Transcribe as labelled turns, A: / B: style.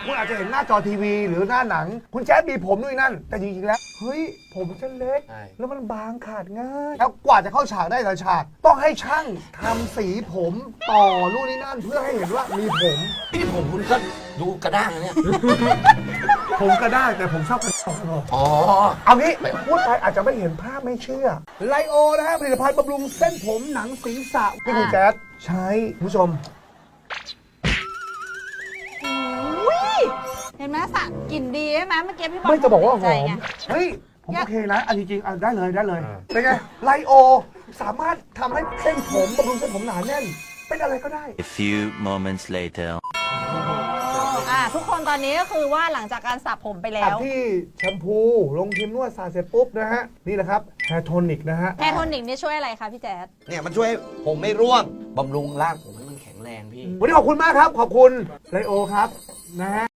A: คุณอาจจะเห็นหน้าจอทีวีหรือหน้าหนังคุณแจ๊ดมีผมด้วยนั่นแต่จริงๆแล้วเฮ้ยผมฉันเล็กแล้วมันบางขาดง่ายแล้วกว่าจะเข้าฉากได้แต่ละฉากต้องให้ช่างทำสีผมต่อนู่นนี่นั่นเพื่อให้เห็นว่ามีผม
B: พี่ผมคุณก็ดูกระด้างนะเนี่ย
A: ผมก็ได้แต่ผมชอบกระดอง
B: อ๋อ
A: เอางี้พูดไปอาจจะไม่เห็นภาพไม่เชื่อไลโอนะฮะผลิตภัณฑ์บำรุงเส้นผมหนังศีรษะที่คุณแจ๊ดใช้คุณผู้ชม
C: เห็นไหมสระกลิ่นดีใช่ไหมเมื่อกี้พี่บอล
A: ไม่จะบอกว่าห
C: ใจ
A: อม
C: ไง
A: เฮ้ยผมโอเคนะอันจริงๆได้เลยเป็นไงไลโอสามารถทำให้เส้นผมบำรุงเส้นผมหนาแน่นเป็นอะไรก็ได้
D: A few moments later.
C: ทุกคนตอนนี้ก็คือว่าหลังจากการสระผมไปแล้
A: อัด
C: ว
A: ที่แชมพูลงครีมนวดสระเสร็จปุ๊บนะฮะนี่แหละครับแฮร์โทนิกนะฮะ
C: แฮร์โทนิกนี่ช่วยอะไรคะพี่แจ๊ด
B: เนี่ยมันช่วยให้ผมไม่ร่วงบำรุงร่างผมให้มันแข็งแรงพี่
A: วันนี้ขอบคุณมากครับขอบคุณไลโอครับนะฮะ